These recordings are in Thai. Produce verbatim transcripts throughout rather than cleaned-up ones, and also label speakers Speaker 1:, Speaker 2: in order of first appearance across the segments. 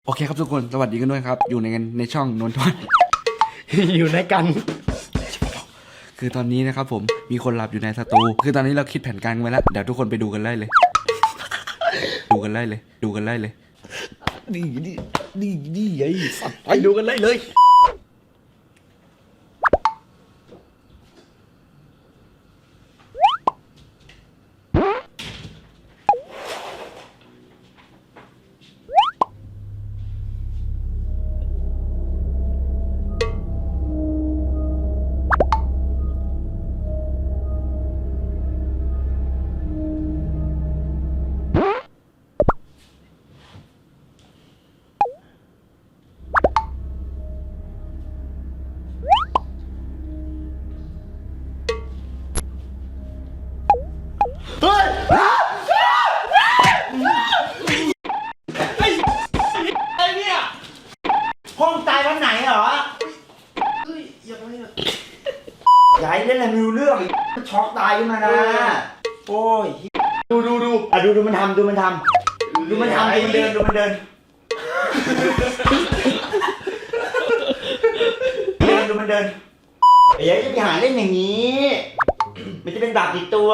Speaker 1: โอเคครับทุกคนสวัสดีกันด้วยครับอยู่ในกันในช่องนนทวัฒน์
Speaker 2: อยู่ในกัน
Speaker 1: คือตอนนี้นะครับผมมีคนหลับอยู่ในสตูคือตอนนี้เราคิดแผนการไว้แล้วเดี๋ยวทุกคนไปดูกันได้เลย ดูกันได้เลย ดูกันได้เลยนี่นี่นี่นี่ไอ้สัตว์
Speaker 2: ไปดูกันเลยเลยเฮ้ยไอ้เนี่ยห้องตายวันไหนเหรอเฮ้ยอย่าไปเลยยายเล่นอะไรไม่รู้เรื่องช็อกตายขึ้นมานะโอ้ยดูดูดูอ่ะดูดูมันทำดูมันทำดูมันทำดูมันเดินดูมันเดินเดินดูมันเดินไอ้ยัยจะไปหาเล่นอย่างนี้มันจะเป็นบาปติดตัว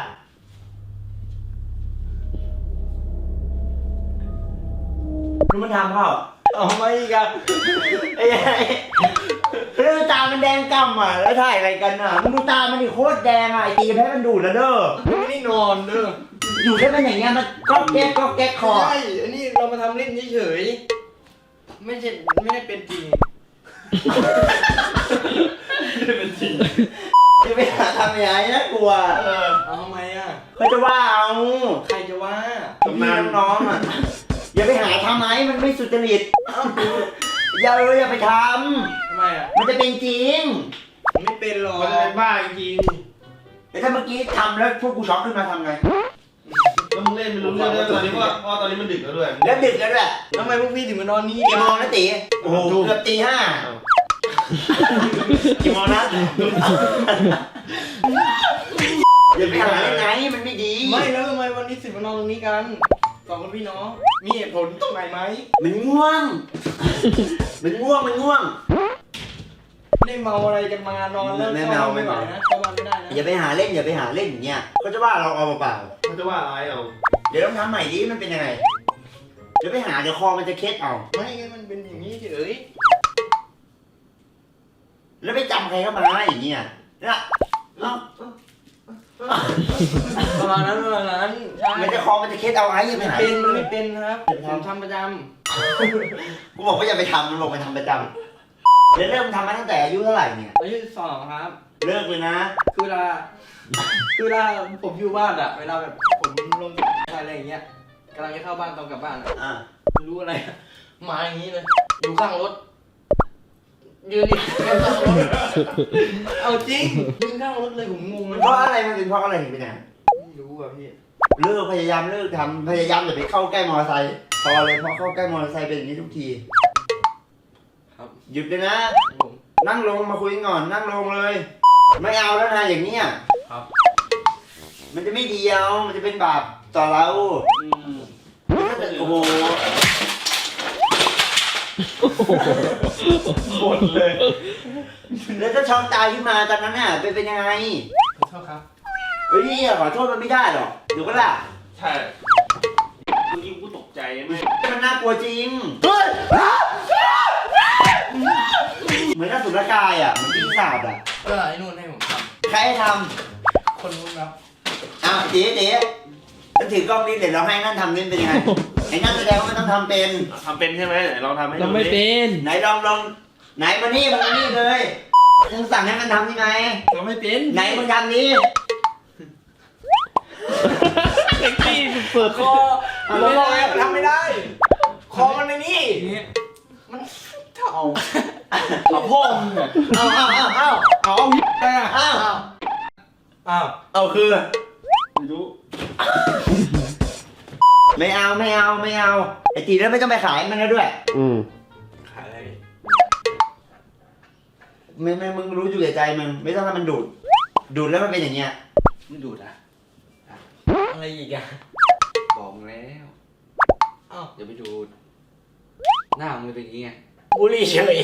Speaker 2: ดูมันทำเขาเอาไม่กันไอ้ไอ้เรื่องตามันแดงกำอ่ะแล้วถ่ายอะไรกันอ่ะมึงดูตามันดิโคตรแดงอ่ะไอ้ตีแพ้มันดูดแล้วเด้อไม่ได้นอนเด้ออยู่ได้เป็นอย่างเงี้ยมันก๊อกแก๊กก๊อกแก๊กคอใช่อันนี้เรามาทำเล่นเฉยๆไม่ใช่ไม่ได้เป็นจริงไม่ได้เป็นจริงจะไปหาทำยังไงนะกลัวเออเอาทำไมอ่ะเขาจะว่าเอาใครจะว่าพี่น้องๆอ่ะอย่าไปหาทำไหมมันไม่สุจริตอย่าเลยอย่าไปทำทำไมอ่ะมันจะเป็นจริงมันไม่เป็นหรอกมันจะเป็นบ้าจริงแต่ถ้าเมื่อกี้ทำแล้วพวกกูช็อกขึ้นมาทำไง
Speaker 3: แล้วมึงเล่นไม่รู้เรื่องเลยตอนนี้ว่าเพราะตอนนี้มันดึกแล้วด้วย
Speaker 2: แล้วดึกแล้วด้วยทำไมพวกพี่ถึงมานอนนี่กี่โมงนะตีโอ้โหเกือบตีห้ากี่โมงนะอย่าไปหาไงมันไม่ดีไม่แล้วทำไมวันนี้สิมานอนตรงนี้กันสองคนพี่น้องมีเหตุผลตรงไหนไหมมันง่วงมันง่วงมันง่วงไม่ได้เมาอะไรกันมานอนแล้วไม่เมาไม่ไหวนะเข้าบ้านไม่ได้นะอย่าไปหาเล่นอย่าไปหาเล่นอย่างเงี้ยเขาจะว่าเราเอาเปล่า
Speaker 3: เขาจะว่าอะไรเอา
Speaker 2: เดี๋ยวต้องทำใหม่ดิมันเป็นยังไงเดี๋ยวไปหาเดี๋ยวคอมันจะเคล็ดเอาไม่งั้นมันเป็นอย่างนี้เฉยแล้วไปจำใครเข้ามาอย่างเงี้ยนะประมาณนั้นประมาณนั้นใช่มันจะคอมันจะเคล็ดเอาไอ้ยังไม่เป็นมันไม่เป็นครับผมทำประจำกูบอกว่าอย่าไปทำมันบอกไปทำประจำแล้วเริ่มทำมาตั้งแต่อายุเท่าไหร่เนี่ยอายุสองครับเลิกเลยนะคือเวลาคือเวลาผมอยู่บ้านอะเวลาแบบผมลงอะไรอย่างเงี้ยกำลังจะเข้าบ้านตอนกลับบ้านอะไม่รู้อะไรมาอย่างนี้เลยอยู่ข้างรถยืนอยู่ข้างรถเอาจริงยืนข้างรถเลยผมงงเลยเพราะอะไรมันเป็นเพราะอะไรถึงเป็นอย่างนั้นไม่รู้อะพี่เลิกพยายามเลิกทำพยายามอย่าไปเข้าใกล้มอเตอร์ไซค์พอเลยพอเข้าใกล้มอเตอร์ไซค์เป็นอย่างนี้ทุกทีครับหยุดเลยนะนั่งลงมาคุยก่อนนั่งลงเลยไม่เอาแล้วนะอย่างนี้ครับมันจะไม่ดีเอามันจะเป็นบาปต่อเราโอ้โหหมดเลยแล้วถ้าช็อกตายขึ้นมาตอนนั้นน่ะเป็นเป็นยังไงขอโทษครับเฮ้ยขอโทษมันไม่ได้หรอกเดี๋ยวก็ล่ะ
Speaker 3: ใช่เมื่อกี้กูตกใจไหม
Speaker 2: มันน่ากลัวจริงเฮ้ยเหมือนน่าสุรกายอ่ะมันปีศาจอ่ะ
Speaker 4: เออไอ้นู่นให้ผมท
Speaker 2: ำใครให้ท
Speaker 4: ำคนนู้นครับ
Speaker 2: อ้าวเจ๊เจ๊ฉันถือกล้องนี้เดี๋ยวเราให้นั่นทำนี่เป็นยังไงไอ้นั่นแสดงว่ามันต้องทำเป็น
Speaker 3: ทำเป็นใช่ไหมไหนลองทำให้ดู
Speaker 4: เราไม่เป็น
Speaker 2: ไหนลองลองไหนมานี่มานี่เลยมึงสั่งให้มันทำยังไง
Speaker 4: เราไม่เป็น
Speaker 2: ไหนมึงทำนี้
Speaker 4: เซ็กซี่เปิดคอ
Speaker 2: มันไม่ได้มันทำไม่ได้คอมันในนี่มันเท่า
Speaker 4: เอาพ่อ
Speaker 2: เอาเอาเอาเอาเอาเอาเอาเอาเอาคือ
Speaker 3: ไม่รู้
Speaker 2: ไม่เอาไม่เอาไม่เอาไอ้ตีแล้วไม่ต้องไปขายมันแล้วด้วย
Speaker 3: อืม
Speaker 2: ขายอะไรไม่ไม่มึงรู้อยู่ในใจมึงไม่ต้องให้มันดูดดูดแล้วมันเป็นอย่างเงี้ย
Speaker 4: มันดูดอะอะไรอีกอะ
Speaker 2: บอกแล้ว
Speaker 4: อ้าวอย่าไปดูดหน้ามึงเป็นอย่างงี้ไง
Speaker 2: บุหรี่เฉย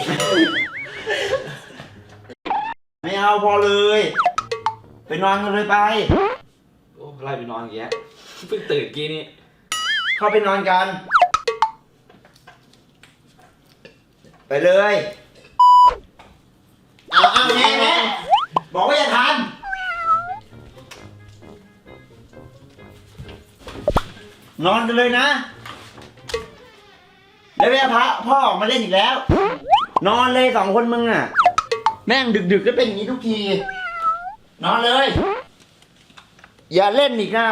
Speaker 2: ไม่เอาพอเลย ไปนอนกันเลยไป
Speaker 4: โอ้ไล่ไปนอนอย่างเงี้ยเพิ่งตื่นกี้นี่
Speaker 2: เข้าไปนอนกัน ไปเลยเอาเอาแน่แน่บอกว่าอย่าทานนอนกันเลยนะแล้วแม่พระพ่อออกมาเล่นอีกแล้ว นอนเลยสองคนมึงอ่ะ แม่งดึกๆก็เป็นอย่างนี้ทุกที นอนเลย อย่าเล่นอีกนะ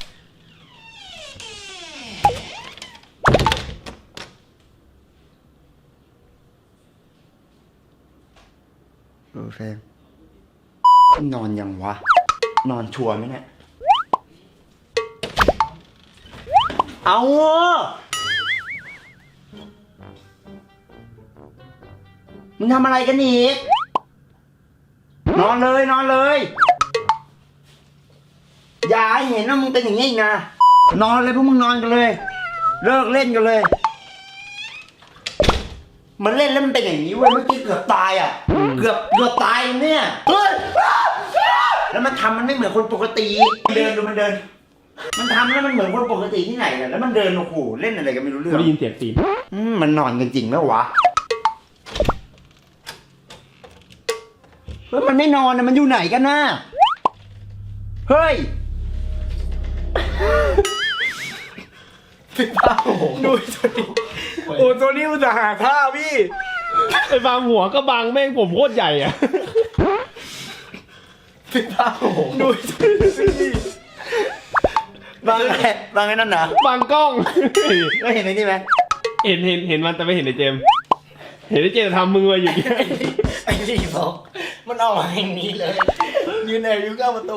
Speaker 2: โอเค นอนยังวะ นอนชัวร์ไหมเนี่ย เอามึงทำอะไรกันอีก นอนเลยนอนเลย อย่าให้เห็นว่ามึงเป็นอย่างนี้อีกนะ นอนเลยพวกมึงนอนกันเลย เลิกเล่นกันเลย มันเล่นแล้วมันเป็นอย่างนี้เว้ยเมื่อกี้เกือบตายอ่ะ เกือบเกือบตายเนี่ยเฮ้ยแล้วมันทำมันไม่เหมือนคนปกติ เดินดูมันเดิน มันทำแล้วมันเหมือนคนปกติที่ไหนกันแล้วมันเดินโอ้โหเล่นอะไรกันไม่รู้เรื่อง
Speaker 3: ได้ยินเสียงตีน
Speaker 2: อืมมันนอนกันจริงแล้ววะเฮ้ยมันไม่นอนนะมันอยู่ไหนกันน่ะเฮ้ย
Speaker 3: ดูตัวนี้โอ้ตัวนี้มันจะหาท่าพี่ไอ้บางหัวก็บางแม่งผมโคตรใหญ่อ่ะดูนี่
Speaker 2: บางไงบางไงนั่นนะ
Speaker 3: บางกล้อง
Speaker 2: ก็เห็นไอ้นี่ไหม
Speaker 3: เห็นเห็นเห็นมันแต่ไม่เห็นไอ้เจมส์เห็นไอ้เจมส์ทำมืออยู่อย่างเงี้ย
Speaker 2: ไอ้นี่บอกมันเอามาอย่างนี้เลย ยืนแอบอยู่ข้างประตู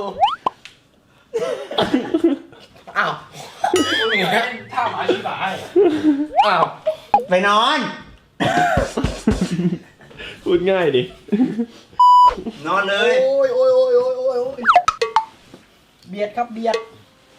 Speaker 2: อ้าว
Speaker 4: มึงอย่างเงี้ยท่าหมาชิบะอ้าว
Speaker 2: ไปนอน
Speaker 3: พูดง่ายดิ
Speaker 2: นอนเลย
Speaker 5: โอ้ยโอ้ยโอ้ยโอ้ยโอ้ยโอ้ยเบียดครับเบียด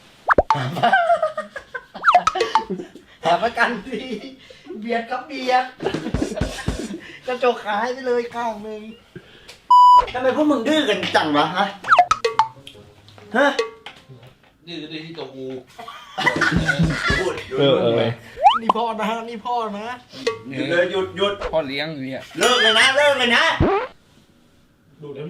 Speaker 5: หาประกันทีเบียดครับเบียดกระจกขายไปเลยข้างหนึ่ง
Speaker 2: ทำไมพวกมึงดื้อกันจังวะฮะฮะ
Speaker 4: ดื้อดื้อที่ตัวกู
Speaker 2: พูด
Speaker 3: เออเออ
Speaker 5: นี่พ่อนะนี่พ่อนะ
Speaker 2: หยุดเลยหยุดหยุด
Speaker 4: พ่อเลี้ยงเนี่ย
Speaker 2: เลิกเลยนะเลิกเลยนะ
Speaker 3: ดูแล้วพี่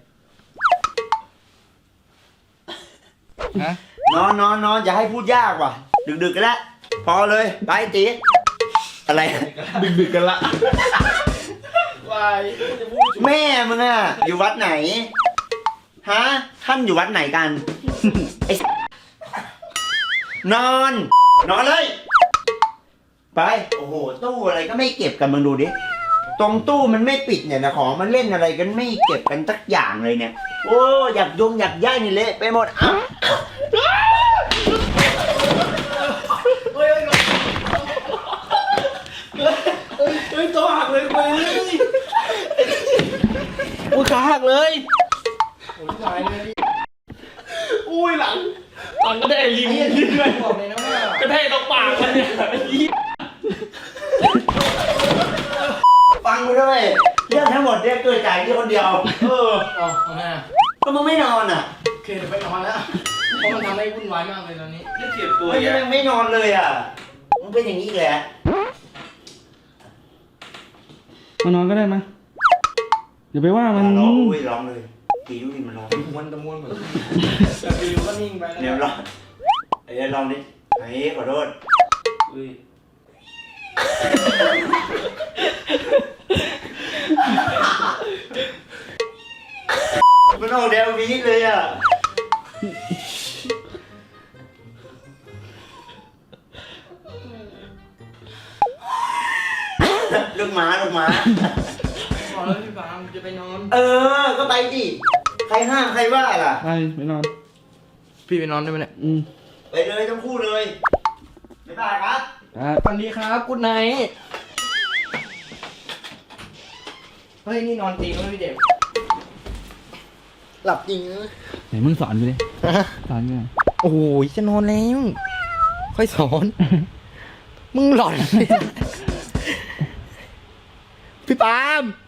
Speaker 4: ฮะ
Speaker 2: นอนนอนนอนอย่าให้พูดยากว่ะ ดึกๆกันแล้วพอเลยไปตีอะไร
Speaker 3: ดึกดึกๆกันละ
Speaker 4: วาย
Speaker 2: แม่มึงอะอยู่วัดไหนฮะท่านอยู่วัดไหนกัน ไอ้นอน นอนเลย ไปโอ้โหตู้อะไรก็ไม่เก็บกันมึงดูดิตรงตู้มันไม่ปิดเนี่ยนะของมันเล่นอะไรกันไม่เก็บกันสักอย่างเลยเนี่ย โอ้อยากยงอยากย่ายนี่เละไปหมดอ่ะ
Speaker 4: เฮ้ยตัวหักเลยกูเลยกูขาหักเลยโอ้ยตายเลย
Speaker 3: อุ้ยหลังหลังก็ได้ริมด้วย
Speaker 5: บอกเลยนะว่าก
Speaker 3: ระแทกตรงปากมันเนี่ย
Speaker 2: ฟังกูด้วยเรื่องทั้งหมดเนี่ยเกิดจากที่คนเดียว
Speaker 3: เออ
Speaker 4: อ๋อทำไมอ่ะ
Speaker 2: ก็มึงไม่นอนอ่ะ
Speaker 4: โอเคเดี๋ยวไปนอนแล้วเพราะมันทำให้วุ่นวายมากเลยตอนนี้จะเจ็บตัว
Speaker 2: ไม่
Speaker 4: เยอะ
Speaker 2: ยังไม่นอนเลยอ่ะมึงเป็นอย่างนี้แหละ
Speaker 1: มานอนก็ได้มาอย่าไปว่ามัน
Speaker 2: ร้องอุ้ยร้องเลยตีดูดิมันร้อง
Speaker 4: ม้วนตะม้วนเหมือนแต่ฟิวก็นิ่งไปแล้ว
Speaker 2: เดี๋ยวร้องไอ้เดี๋ยวร้องดิไอ้ขอโทษ
Speaker 4: อุ้ย
Speaker 2: มันออกแนววีดเลยอ่ะลูกหมาลูกหมา
Speaker 4: บอกแล้วพี่ฟางจะไปนอน
Speaker 2: เออ ก็ไปดิ ใครห้ามใครว่าล่ะ
Speaker 1: ไปไปนอน
Speaker 4: พี่ไปนอนได้ไหมเนี่ย
Speaker 1: อืม
Speaker 2: ไปเลยทั้งคู่เลยบ๊ายบายครับ
Speaker 1: ครับ
Speaker 4: สวัสดีครับกุ๊ดไนท์เฮ้ยนี่นอนตีแล้วพี่เด็ก
Speaker 5: หลับจริงนะ
Speaker 1: ไหนมึงสอนกูดิสอนกูหน่อย
Speaker 5: โอ้ยจะนอนแล้ว ค่อยสอน มึงหลอน
Speaker 3: พี่ปาล์ม